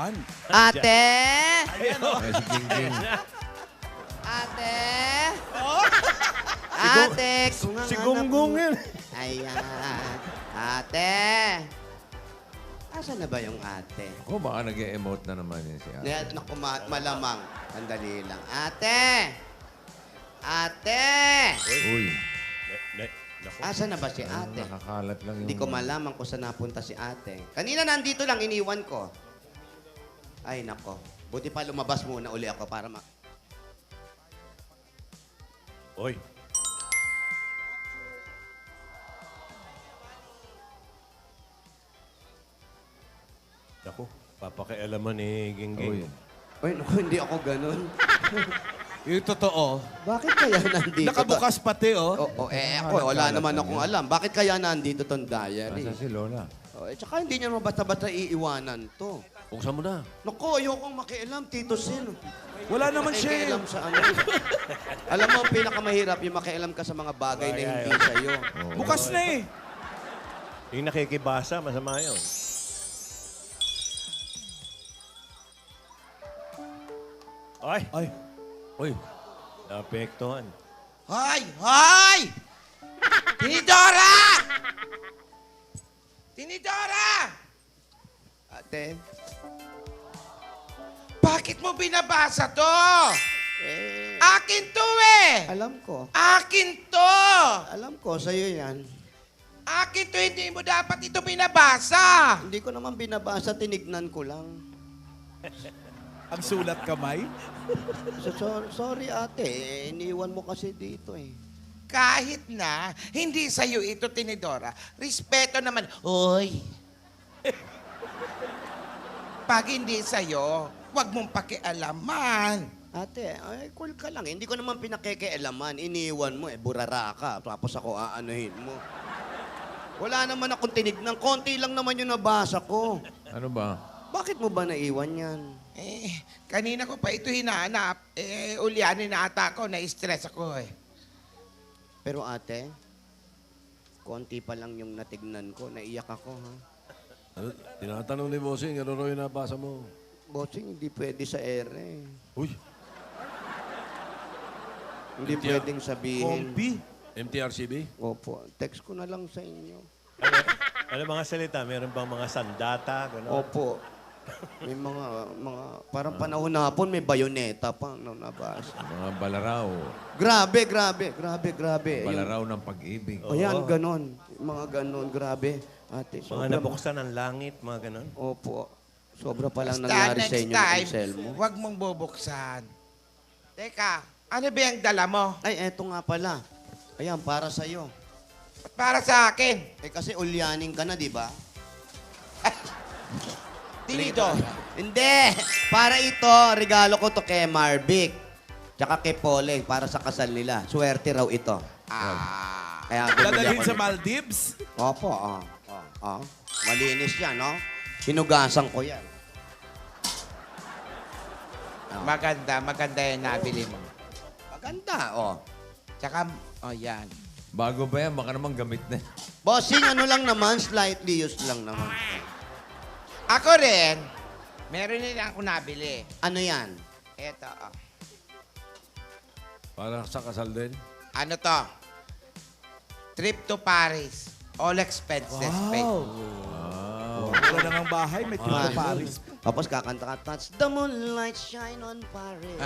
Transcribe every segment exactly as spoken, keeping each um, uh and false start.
Saan? Ate! Ayan, oh. Eh, si King King. Ate! Oh. Ate! Kung ang Si anak Gunggong mo- yun. Ayan. Ate! Asan na ba yung ate? Ako, baka nag-e-emote na naman yun si Ate. Ngayon, naku, ma- malamang. Sandali lang. Ate! Ate! Uy, Asan na ba si ano, ate? nakakalat lang yung... Hindi ko malaman kung saan napunta si ate. Kanina nandito lang, iniwan ko. Ay, nako. Buti pa lumabas muna uli ako para ma... Oy. Ako, papakialaman ni Gingging. Uy. Ay, naku, hindi ako ganun. Yung totoo. Bakit kaya nandito? Nakabukas pati, oh. Oo, oh, eh, ako, wala naman akong alam. Bakit kaya nandito tong diary? Nasa si Lola. Oh, eh, tsaka hindi niya naman basta-basta iiwanan to. Buksan mo na. Naku, ayokong makialam, Tito Sin. Wala naman siya. eh. Makialam sa ano. Alam mo, ang pinakamahirap, yung makialam ka sa mga bagay na hindi sa'yo. Oo. Bukas na eh. Yung nakikibasa, masama yun. Ay! Ay. Uy! Naapektuhan. Hoy! Hoy! Tinidora! Tinidora! Ate, Bakit mo binabasa to? eh, Akin to eh! alam ko. Akin to! Alam ko, sa'yo yan. Akin to, hindi mo dapat ito binabasa! Hindi ko naman binabasa, tinignan ko lang. Ang sulat kamay. So, so- sorry ate, eh, iniwan mo kasi dito eh. Kahit na hindi sa'yo ito, Tinidora, respeto naman. Hoy! Pag hindi sa'yo, huwag mong pakialaman. Ate, ay, cool ka lang. Hindi ko naman pinakekealaman. Iniwan mo eh, burara ka. Tapos ako aanuhin mo. Wala naman akong tinignan. Konti lang naman yung nabasa ko. Ano ba? Bakit mo ba naiwan yan? Eh, kanina ko pa ito hinahanap. Eh, ulyanin na ata ako, na-stress ako eh. Pero ate, konti pa lang yung natignan ko. Naiyak ako, ha? Ano, tinatanong ni Bossing, ano raw yung nabasa mo? Bossing, hindi pwede sa ere. Uy! Hindi pwedeng sabihin. Kompi. M T R C B? Opo, text ko na lang sa inyo. Ano, ano mga salita? Meron bang mga sandata? Gano'n? Opo. May mga, mga, parang panahon na hapon, may bayoneta pa nung nabasa. Mga balaraw. Grabe, grabe, grabe, grabe. Yung- Balaraw ng pag-ibig. O yan, ganon. Mga ganon, grabe. Ate, Mga sobra. nabuksan ng langit, mga gano'n? Opo. Sobra pa lang Basta nangyari sa next inyo time, ng Anselmo. huwag mong bubuksan. Teka, ano ba yung dala mo? Ay, eto nga pala. Ayan, para sa'yo. Para sa akin. Eh, kasi ulyaning ka na, di ba? Tinito. Hindi! Para ito, regalo ko to kay Marvic. Tsaka kay Poleng, para sa kasal nila. Swerte raw ito. Ah. Kaya bumili Dadalhin ako sa nito. Maldives. Opo, oh. Oh, oh. Malinis yan, no? Hinugasan ko yan. Maganda, maganda yung nabili mo. Maganda, oh. Tsaka, oh yan. Bago ba yan? Baka naman gamit na. Bossing, ano lang naman, slightly used lang naman. Ako rin, meron din ako nabili. Ano yan? Eto, oh. Para sa kasal din? Ano to? Trip to Paris. All expenses paid. Wow. Wala na ng bahay, may tito Ah. Paris. Tapos kakanta ka, touch the moonlight shine on Paris.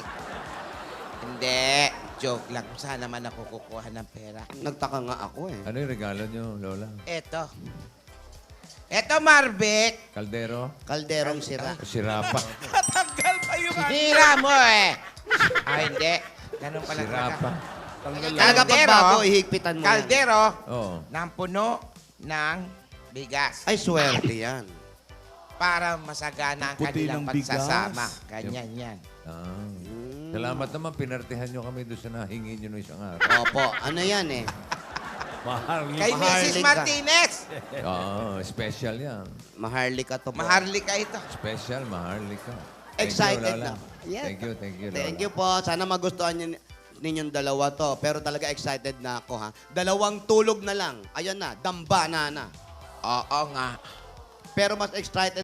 Hindi. Joke lang. Saan naman ako kukuha ng pera? Nagtaka nga ako eh. Ano yung regalo nyo, Lola? Eto. Eto, Marvic. Kaldero? Kalderong sira. Sirapa. Natanggal pa yung ano. Hira mo eh. Ah, hindi. Ganun pala Sirapa. talaga. Talaga pag Kaldero. bago, ihigpitan mo yan. Kaldero Oo. ng puno ng bigas. Ay, swerte yan. Para masagana ang Puti kanilang ng bigas. pagsasama. Ganyan yan. Ah. Mm. Salamat naman, pinartihan nyo kami doon sa nahingi nyo nung isang araw. Opo, ano yan eh? Mahal Kay Missus Maharlika. Martinez. Oo, special yan. Maharlika to po. Maharlika ito. Special, maharlika. Thank you, Excited Lola. na. Yeah. Thank you, thank you, Lola. Thank you po. Sana magustuhan niyo ninyong dalawa to. Pero talaga excited na ako ha. Dalawang tulog na lang. Ayan na, damba na na. Oo nga. Pero mas excited